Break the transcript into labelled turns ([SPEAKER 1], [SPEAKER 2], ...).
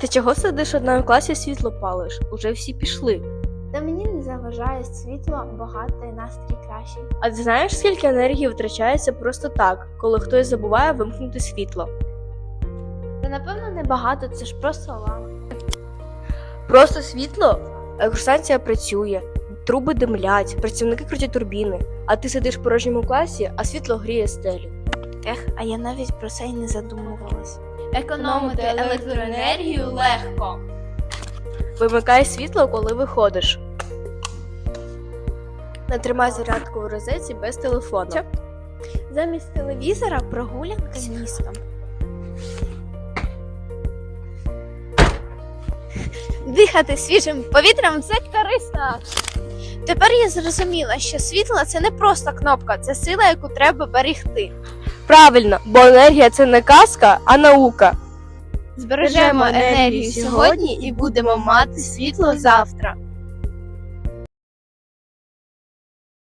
[SPEAKER 1] чого сидиш одна в класі, світло палиш? Уже всі пішли.
[SPEAKER 2] Та мені не заважає світло, багато і настрій кращий.
[SPEAKER 1] А ти знаєш, скільки енергії втрачається просто так, коли хтось забуває вимкнути світло?
[SPEAKER 2] Та напевно небагато, це ж просто лампа.
[SPEAKER 1] Просто світло? Електростанція працює, труби димлять, працівники крутять турбіни, а ти сидиш в порожньому класі, а світло гріє стелю.
[SPEAKER 2] А я навіть про це й не задумувалась.
[SPEAKER 1] Економити електроенергію легко. Вимикай світло, коли виходиш. Не тримай зарядку в розетці без телефону.
[SPEAKER 2] Замість телевізора прогулянка містом. Дихати свіжим повітрям – це корисно. Тепер я зрозуміла, що світло – це не просто кнопка, це сила, яку треба берегти.
[SPEAKER 1] Правильно, бо енергія – це не казка, а наука.
[SPEAKER 2] Збережемо енергію сьогодні і будемо мати світло завтра.